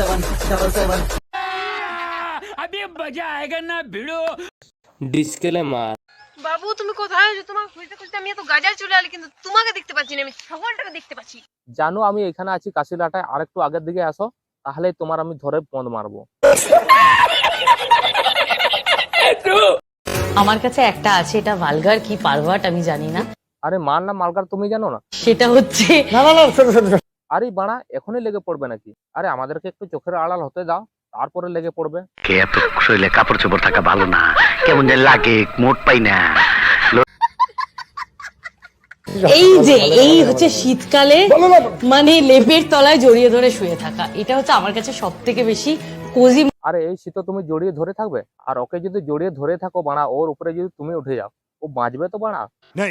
अभी मजा आएगा ना भिड़ो। ডিসক্লেমার। বাবু তুমি কোথায় আছো? তোমাকে খুঁজতে খুঁজতে আমি এত গাজায় চলে এলি, কিন্তু তোমাকে দেখতে পাচ্ছি না, আমি ছাগলটাকে দেখতে পাচ্ছি। জানো আমি এখানে আছি কাশিলাটায়, আরেকটু আগের দিকে আসো, তাহলে তোমার আমি ধরে পদ মারবো। আমার কাছে একটা আছে, এটা ভালগার কি পারভার্ট আমি জানি না। আরে মার না মালকার তুমি জানো না? সেটা হচ্ছে আরে বাড়া এখনই লেগে পড়বে নাকি? আরে আমাদেরকে একটু চোখের আড়াল হতে দাও, তারপরে লেগে পড়বে। কে এত শরীরে কাপড় চোপড় থাকা ভালো না, কেমন যে লাগে, মোট পাই না। এই হচ্ছে শীতকালে মানে লেপের তলায় জড়িয়ে ধরে শুয়ে থাকা, এটা হচ্ছে আমার কাছে সব থেকে বেশি কোজি। আরে এই শীত তুমি জড়িয়ে ধরে থাকবে, আর ওকে যদি জড়িয়ে ধরে থাকো বাড়া, ওর উপরে যদি তুমি উঠে যাও, ও বাঁচবে তো বাড়া?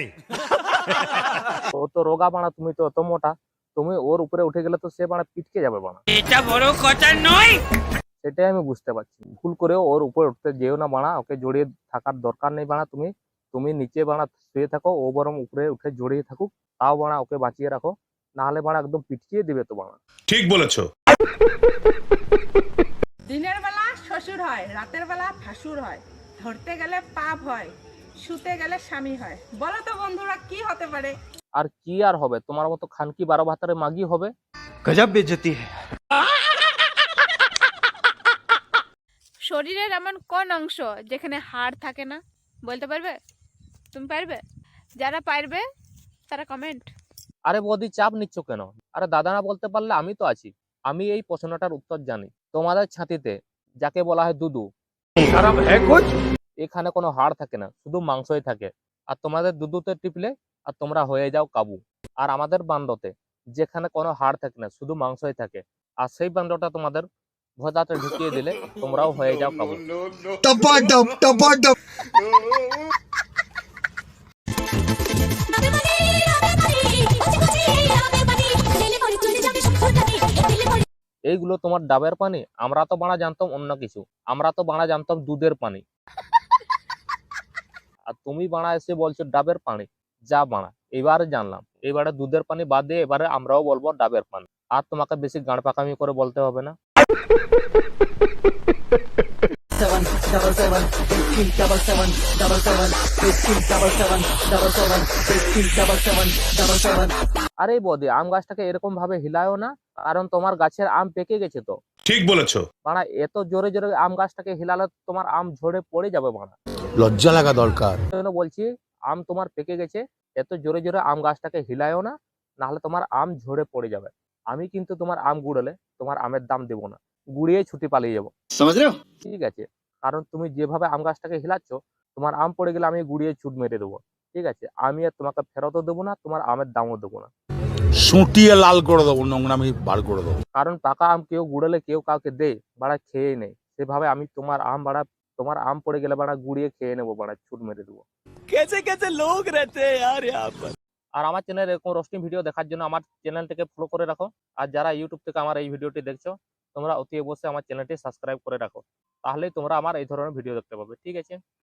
ও তো রোগা বাড়া, তুমি তো অত মোটা, তুমি ওর উপরে উঠে গেলে তো সে বাড়া পিটকে যাবে বাড়া। এটা বড় কথা নয়। সেটাই আমি বুঝতে পারছি, ভুল করেও ওর উপরে উঠতে যেও না বাড়া, ওকে জড়িয়ে থাকার দরকার নেই বাড়া। তুমি তুমি নিচে বাড়া শুয়ে থাকো, ও বরং উপরে উঠে জড়িয়ে থাকুক, তাও বাড়া ওকে বাঁচিয়ে রাখো, না হলে বাড়া একদম পিটকিয়ে দিবে তো বাড়া। ঠিক বলেছো। দিনের বেলা শ্বশুর হয়, রাতের বেলা ভাসুর হয়, ধরতে গেলে পাপ হয়, শুতে গেলে স্বামী হয়। বলো তো বন্ধুরা কি হতে পারে? আর কি আর হবে, তোমার মতো খানকি 12 ভাতারে মাগি হবে। गजब बेइज्जती है। শরীরের এমন কোন অংশ যেখানে হাড় থাকে না? বলতে পারবে? তুমি পারবে? যারা পারবে তারা কমেন্ট। আরে বৌদি চাপ নিচ্ছ কেন? আরে দাদা না বলতে পারলে আমি তো আছি, আমি এই প্রশ্নটার উত্তর জানি। তোমাদের ছাতিতে যাকে বলা হয় দুদু, এখানে কোনো হাড় থাকে না, শুধু মাংসই থাকে। আর তোমাদের দুদুতে টিপলে আর তোমরা হয়ে যাও কাবু। আর আমাদের বান্ডতে যেখানে কোনো হাড় থাকে না, শুধু মাংসই থাকে, আর সেই বান্ডটা তোমাদের ভোজাতে ঢুকিয়ে দিলে তোমরাও হয়ে যাও কাবু। এইগুলো তোমার ডাবের পানি? আমরা তো বাড়া জানতাম অন্য কিছু, আমরা তো বাড়া জানতাম দুধের পানি, আর তুমি বাড়া এসে বলছো ডাবের পানি। যা বাড়া, এবারে জানলাম, এবারে দুধের পানি বাদ দিয়ে এবারে আমরাও বলবো ডাবের পানি। আর তোমাকে বেশি গাঁড় পাকামি করে বলতে হবে না। আরে বৌদি আম গাছটাকে এরকম ভাবে হিলায়ও না, কারণ তোমার গাছের আম পেকে গেছে তো। ঠিক বলেছো। বাড়া এত জোরে জোরে আম গাছটাকে হিলালে তোমার আম ঝরে পড়ে যাবে বাড়া। লজ্জা লাগা দরকার। এই জন্য বলছি আম তোমার পেকে গেছে, এত জোরে জোরে আম গাছটাকে হিলায়ও না, নাহলে তোমার আম ঝরে পড়ে যাবে। আমি কিন্তু তোমার আম গুড়ালে তোমার আমের দাম দেবো না, গুড়িয়ে ছুটি পালিয়ে যাবো। ঠিক আছে? কারণ তুমি যেভাবে আম গাছটাকে হিলাচ্ছ, তোমার আম পড়ে গেলে আমি গুড়িয়ে ছুট মেরে দেবো। ঠিক আছে? আমি আর তোমাকে ফেরতও দেবো না, তোমার আমের দামও দেবো না। সুটিয়ে লাল করে দেবো, নোংরামি বার করে দেবো। কারণ পাকা আম কেউ গুড়ালে কেউ কাউকে দেয় বাড়া, খেয়ে নেই। সেভাবে আমি তোমার আম বাড়া, তোমার আম পড়ে গেলে বাড়া গুড়িয়ে খেয়ে নেবো বাড়া, ছুট মেরে দেবো। कैसे कैसे लोग रहते हैं यार यहाँ पर। আর আমার চ্যানেলে এরকম রোস্টিং ভিডিও দেখার জন্য আমার চ্যানেলটিকে ফলো করে রাখো। আর যারা ইউটিউব থেকে আমার এই ভিডিওটি দেখছো, তোমরা অতি অবশ্যই আমার চ্যানেলটি সাবস্ক্রাইব করে রাখো, তাহলেই তোমরা আমার এই ধরনের ভিডিও দেখতে পাবে। ঠিক আছে?